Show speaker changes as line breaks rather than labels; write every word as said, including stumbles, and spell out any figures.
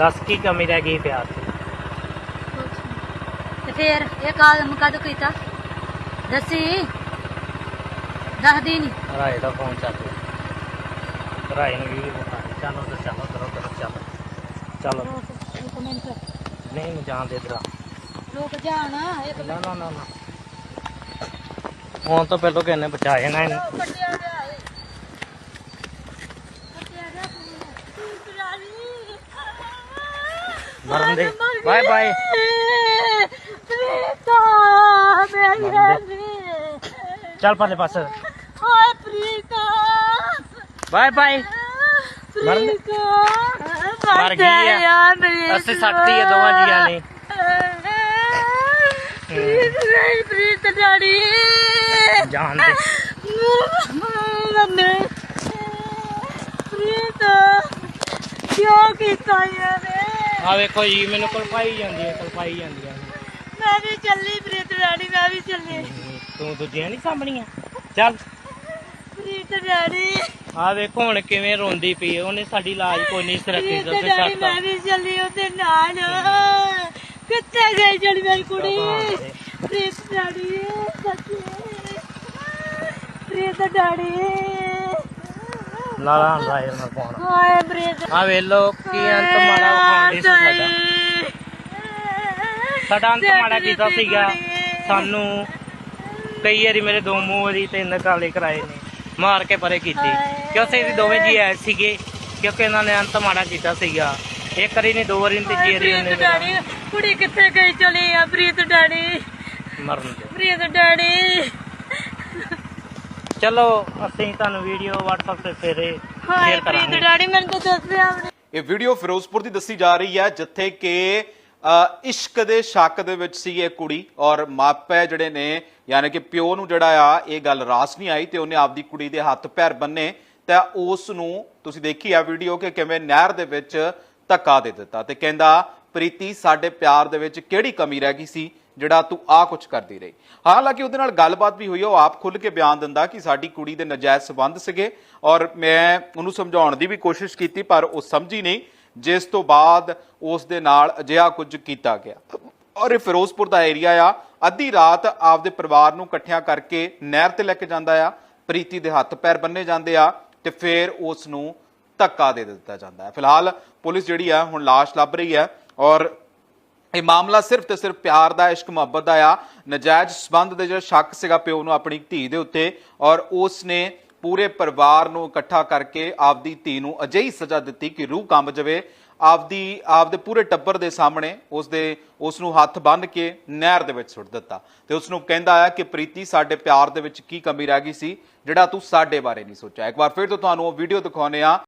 दस की कमी रह गई प्यार की?
ते फिर ये काम कद कीता दसी दस दिन
राय का फोन चल रहा राय ने भी बता चलो तो चलो करो करो चलो चलो
एक मिनट
नहीं मैं जान दे इधर
रुक जाना एक
ना ना ना ना फोन तो पहले कहने बचाए ना इन्हें
कटिया गया है कटिया गया रानी
मरन दे बाय बाय
प्रीता मेरी रानी
चल पाले पास
हाय प्रीता
बाय बाय मरन दे
प्रीता
मर गई है अस्सी सटती है दोवां जिया ने
प्रीत नहीं प्रीत डैडी
जान दे
मम्मी प्रीत क्यों कीता यार
आ देखो जी मैंने कलपाई जांदी है कलपाई जांदी है
मैं भी चली प्रीत डैडी मैं भी चली
तू दूजियां नहीं सामणियां चल
प्रीत डैडी
आ देखो हुण किवें रोंदी पई ओने साडी लाज कोई नहीं सरकी
प्रीत
दस
डैडी
छੱਡ
मैं भी चली ओदे नाल कित्थे गई जड़ी मेरी कुड़ी प्रीत डैडी सच्ची प्रीत डैडी
लाला राय ना फोन
हाय प्रीत
आ वे लो की अंत माड़ा खाਂਦੇ ਸੀ ਸਾਡਾ ਸਾਡਾ ਅੰਤ ਮਾੜਾ ਕੀਤਾ ਸੀਗਾ ਸਾਨੂੰ ਕਈ ਵਾਰੀ ਮੇਰੇ ਦੋ ਮੂੰਹ ਵਾਰੀ ਤਿੰਨ ਕਾਲੇ ਕਰਾਏ ਨੇ ਮਾਰ ਕੇ ਪਰੇ ਕੀਤੀ ਕਿਉਂਕਿ ਅਸੀਂ ਦੋਵੇਂ ਜੀ ਆਏ ਸੀਗੇ ਕਿਉਂਕਿ ਇਹਨਾਂ ਨੇ ਅੰਤ ਮਾੜਾ ਕੀਤਾ ਸੀਗਾ ਇੱਕ ਵਾਰੀ ਨਹੀਂ ਦੋ ਵਾਰੀ ਨਹੀਂ ਤੀਜੀ ਵਾਰੀ ਉਹਨੇ
ਡੈਡੀ ਕੁੜੀ ਕਿੱਥੇ ਗਈ ਚਲੀ ਆ ਪ੍ਰੀਤ ਡੈਡੀ
ਮਰਨ ਦੇ
ਪ੍ਰੀਤ ਡੈਡੀ
ਚਲੋ ਅਸੀਂ ਤੁਹਾਨੂੰ ਵੀਡੀਓ WhatsApp ਤੇ ਫੇਰੇ
ਹਾਏ
ਸ਼ੇਅਰ
ਪ੍ਰੀਤ
ਕਰਾਂਗੇ
ਡੈਡੀ ਮੈਨੂੰ ਤਾਂ ਦੱਸਿਆ ਵੀ
ਇਹ ਵੀਡੀਓ ਫਿਰੋਜ਼ਪੁਰ ਦੀ ਦੱਸੀ ਜਾ ਰਹੀ ਹੈ ਜਿੱਥੇ ਕਿ ਇਸ਼ਕ ਦੇ ਸ਼ੱਕ ਦੇ ਵਿੱਚ ਸੀ ਇਹ ਕੁੜੀ ਔਰ ਮਾਪੇ ਜਿਹੜੇ ਨੇ ਯਾਨੀ ਕਿ ਪਿਓ ਨੂੰ ਜਿਹੜਾ ਆ ਇਹ ਗੱਲ ਰਾਸ ਨਹੀਂ ਆਈ ਤੇ ਉਹਨੇ ਆਪਦੀ ਕੁੜੀ ਦੇ ਹੱਥ ਪੈਰ ਬੰਨੇ ਤਾਂ ਉਸ ਨੂੰ ਤੁਸੀਂ ਦੇਖੀ ਆ ਵੀਡੀਓ ਕਿ ਕਿਵੇਂ ਨਹਿਰ ਦੇ ਵਿੱਚ ਧੱਕਾ ਦੇ ਦਿੱਤਾ ਤੇ ਕਹਿੰਦਾ ਪ੍ਰੀਤੀ ਸਾਡੇ ਪਿਆਰ ਦੇ ਵਿੱਚ ਕਿਹੜੀ ਕਮੀ ਰਹਿ ਗਈ ਸੀ ਜਿਹੜਾ ਤੂੰ ਆ ਕੁਝ ਕਰਦੀ ਰਹੀ। ਹਾਲਾਂਕਿ ਉਹਦੇ ਨਾਲ ਗੱਲਬਾਤ ਵੀ ਹੋਈ ਉਹ ਆਪ ਖੁੱਲ ਕੇ ਬਿਆਨ ਦਿੰਦਾ ਕਿ ਸਾਡੀ ਕੁੜੀ ਦੇ ਨਜਾਇਜ਼ ਸਬੰਧ ਸੀਗੇ ਔਰ ਮੈਂ ਉਹਨੂੰ ਸਮਝਾਉਣ ਦੀ ਵੀ ਕੋਸ਼ਿਸ਼ ਕੀਤੀ ਪਰ ਉਹ ਸਮਝੀ ਨਹੀਂ ਜਿਸ ਤੋਂ ਬਾਅਦ ਉਸ ਦੇ ਨਾਲ ਅਜਿਹਾ ਕੁਝ ਕੀਤਾ ਗਿਆ ਔਰ ਇਹ ਫਿਰੋਜ਼ਪੁਰ ਦਾ ਏਰੀਆ ਆ ਅੱਧੀ ਰਾਤ ਆਪਦੇ ਪਰਿਵਾਰ ਨੂੰ ਇਕੱਠਿਆਂ ਕਰਕੇ ਨਹਿਰ ਤੇ ਲੈ ਕੇ ਜਾਂਦਾ ਆ ਪ੍ਰੀਤੀ ਦੇ ਹੱਥ ਪੈਰ ਬੰਨੇ ਜਾਂਦੇ ਆ ਤੇ ਫਿਰ ਉਸ ਨੂੰ ਧੱਕਾ ਦੇ ਦਿੱਤਾ ਜਾਂਦਾ ਹੈ। ਫਿਲਹਾਲ ਪੁਲਿਸ ਜਿਹੜੀ ਆ ਹੁਣ ਲਾਸ਼ ਲੱਭ ਰਹੀ ਹੈ ਔਰ ਇਹ ਮਾਮਲਾ ਸਿਰਫ ਤੇ ਸਿਰਫ ਪਿਆਰ ਦਾ ਇਸ਼ਕ ਮੁਹੱਬਤ ਦਾ ਆ ਨਜਾਇਜ਼ ਸਬੰਧ ਦੇ ਜਿਹੜਾ ਸ਼ੱਕ ਸੀਗਾ ਪਿਓ ਨੂੰ ਆਪਣੀ ਧੀ ਦੇ ਉੱਤੇ ਔਰ ਉਸ ਨੇ ਪੂਰੇ ਪਰਿਵਾਰ ਨੂੰ ਇਕੱਠਾ ਕਰਕੇ ਆਪਦੀ ਧੀ ਨੂੰ ਅਜਿਹੀ ਸਜ਼ਾ ਦਿੱਤੀ ਕਿ ਰੂਹ ਕੰਬ ਜਾਵੇ ਆਪਦੀ ਆਪਦੇ ਪੂਰੇ ਟੱਬਰ ਦੇ ਸਾਹਮਣੇ ਉਸ ਦੇ ਉਸ ਨੂੰ ਹੱਥ ਬੰਨ੍ਹ ਕੇ ਨਹਿਰ ਦੇ ਵਿੱਚ ਸੁੱਟ ਦਿੱਤਾ ਤੇ ਉਸ ਨੂੰ ਕਹਿੰਦਾ ਆ ਕਿ ਪ੍ਰੀਤੀ ਸਾਡੇ ਪਿਆਰ ਦੇ ਵਿੱਚ ਕੀ ਕਮੀ ਰਹਿ ਗਈ ਸੀ ਜਿਹੜਾ ਤੂੰ ਸਾਡੇ ਬਾਰੇ ਨਹੀਂ ਸੋਚਿਆ। ਇੱਕ ਵਾਰ ਫਿਰ ਤੋਂ ਤੁਹਾਨੂੰ ਉਹ ਵੀਡੀਓ ਦਿਖਾਉਂਦੇ ਆ